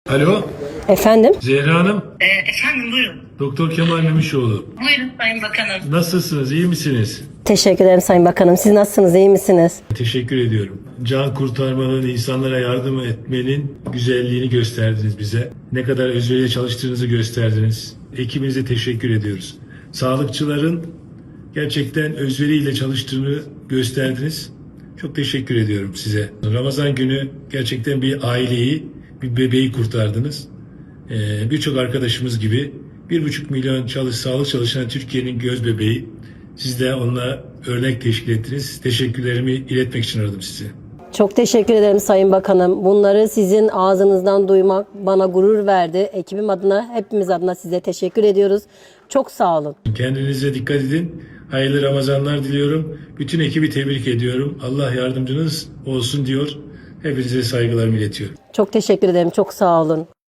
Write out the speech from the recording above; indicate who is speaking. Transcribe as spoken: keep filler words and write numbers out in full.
Speaker 1: Alo,
Speaker 2: Efendim?
Speaker 1: Zehra Hanım,
Speaker 3: Ee, efendim buyurun.
Speaker 1: Doktor Kemal Memişoğlu.
Speaker 3: Buyurun Sayın Bakanım.
Speaker 1: Nasılsınız, iyi misiniz?
Speaker 2: Teşekkür ederim Sayın Bakanım. Siz nasılsınız? İyi misiniz?
Speaker 1: Teşekkür ediyorum. Can kurtarmanın, insanlara yardım etmenin güzelliğini gösterdiniz bize. Ne kadar özveriyle çalıştığınızı gösterdiniz. Ekibinize teşekkür ediyoruz. Sağlıkçıların gerçekten özveriyle çalıştığını gösterdiniz. Çok teşekkür ediyorum size. Ramazan günü gerçekten bir aileyi, bir bebeği kurtardınız. Ee, Birçok arkadaşımız gibi bir buçuk milyon çalış, sağlık çalışan Türkiye'nin göz bebeği. Siz de onunla örnek teşkil ettiniz. Teşekkürlerimi iletmek için aradım sizi.
Speaker 2: Çok teşekkür ederim Sayın Bakanım. Bunları sizin ağzınızdan duymak bana gurur verdi. Ekibim adına, hepimiz adına size teşekkür ediyoruz. Çok sağ olun.
Speaker 1: Kendinize dikkat edin. Hayırlı Ramazanlar diliyorum. Bütün ekibi tebrik ediyorum. Allah yardımcınız olsun diyor. Hepinize saygılarımı iletiyorum.
Speaker 2: Çok teşekkür ederim. Çok sağ olun.